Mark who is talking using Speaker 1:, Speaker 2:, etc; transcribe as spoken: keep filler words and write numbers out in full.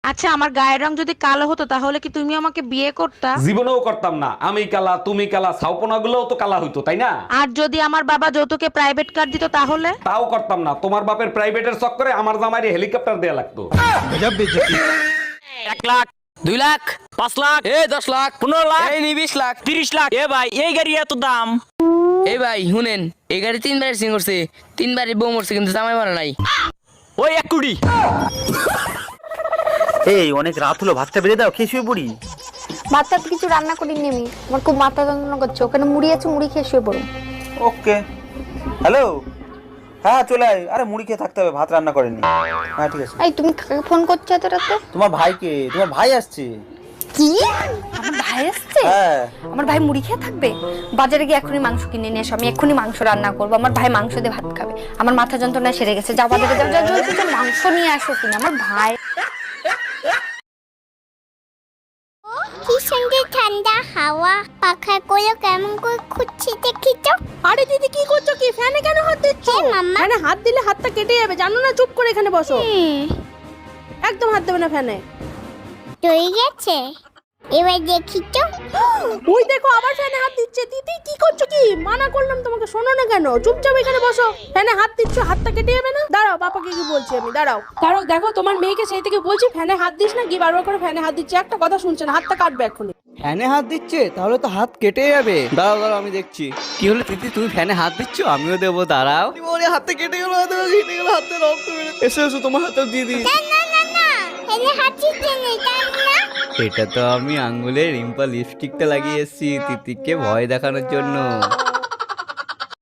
Speaker 1: আচ্ছা আমার গায়ের রং যদি কালো হতো তাহলে কি তুমি আমাকে বিয়ে করতা?
Speaker 2: জীবনেও করতাম না। আমি কালা, তুমি কালা, ছাউপনা গুলোও তো কালা হইতো, তাই না?
Speaker 1: আর যদি আমার বাবা যৌতুকে প্রাইভেট কার দিত তাহলে?
Speaker 2: তাও করতাম না। তোমার বাপের প্রাইভেটের চক্করে আমার জামাইরে হেলিকপ্টার দেয়া লাগতো।
Speaker 3: এক লাখ, দুই লাখ, পাঁচ লাখ, এ দশ লাখ, পনেরো লাখ, এই নি বিশ লাখ, তিরিশ লাখ। এ ভাই এই গাড়ি এত দাম?
Speaker 4: এই ভাই শুনেন, এই গাড়ি তিনবার সিং করছে, তিনবারই বউ মরছে কিন্তু জামাই মারা নাই।
Speaker 3: ওই এক কোটি।
Speaker 5: এই অনেক রাত হলো, ভাতটা বেড়ে দাও, খেয়ে শুয়ে পড়ি।
Speaker 6: ভাতটা তো কিছু রান্না করিনি আমি, আমার খুব মাথা যন্ত্রণা করছে, ওখানে মুড়ি আছে, মুড়ি খেয়ে শুয়ে পড়ুন।
Speaker 5: ওকে। হ্যালো, হ্যাঁ চলে আয়। আরে মুড়ি খেয়ে থাকতে হবে, ভাত রান্না করেনি। হ্যাঁ ঠিক আছে।
Speaker 6: এই তুমি কাকে ফোন করছো এত রাতে?
Speaker 5: তোমার ভাইকে, তোমার ভাই আসছে।
Speaker 6: কি? আমার ভাই আসছে?
Speaker 5: হ্যাঁ।
Speaker 6: আমার ভাই মুড়ি খেয়ে থাকবে? বাজারে গিয়ে এখনই মাংস কিনে নিয়ে এসো, আমি এক্ষুনি মাংস রান্না করবো, আমার ভাই মাংস দিয়ে ভাত খাবে। আমার মাথা যন্ত্রণা সেরে গেছে, যাও বাজারে যাও, যাও জলদি যাও, মাংস নিয়ে আসো কিনা আমার ভাই।
Speaker 7: কি সুন্দর ঠান্ডা হাওয়া, পাখার কোলে কেমন করে খুঁজছে দেখি তো।
Speaker 8: আরে দিদি কি করছো? কি ফ্যানে কেন হাত দিচ্ছ?
Speaker 7: হ্যাঁ, মাম্মা।
Speaker 8: ফ্যানে হাত দিলে হাতটা কেটে যাবে, জানো না? চুপ করে এখানে বসো,
Speaker 7: হুম,
Speaker 8: একদম হাত দেবে না ফ্যানে।
Speaker 7: রয়ে গেছে, এবার দেখি তো।
Speaker 8: ওই দেখো আবার ফ্যানে হাত দিচ্ছে। দিদি কি করছো? কি মানা করলাম তোমাকে, শোনো না কেন? চুপচাপ এখানে বসো। ফ্যানে হাত দিচ্ছ, হাতটা কেটে যাবে না? দাঁড়াও, বাবাকে কি বলছি আমি, দাঁড়াও দাঁড়াও। দেখো তোমার মেয়েকে সেই থেকে বলছি ফ্যানে হাত দিস না, কি বারবার করে ফ্যানে হাত দিচ্ছে, একটা কথা শুনছে না, হাতটা কাটবে এক্ষুনি।
Speaker 9: ফ্যানে হাত দিচ্ছে তাহলে তো হাত কেটে যাবে। দাঁড়াও দাঁড়াও আমি দেখছি। কি হলো দিদি, তুমি ফ্যানে হাত দিচ্ছ? আমিও দেবো, দাঁড়াও। ওরে হাতে কেটে গেল, হাতে কেটে গেল, হাতে রক্ত বেরো। এসো এসো, তোমার হাতে দিয়ে দিই।
Speaker 7: না না না না, এনে হাত দিতে নেই, তাই না?
Speaker 9: এটা তো আমি আঙ্গুলে রিম্পা লিপস্টিকটা লাগিয়ে এসেছি তিতিকে ভয় দেখানোর জন্য।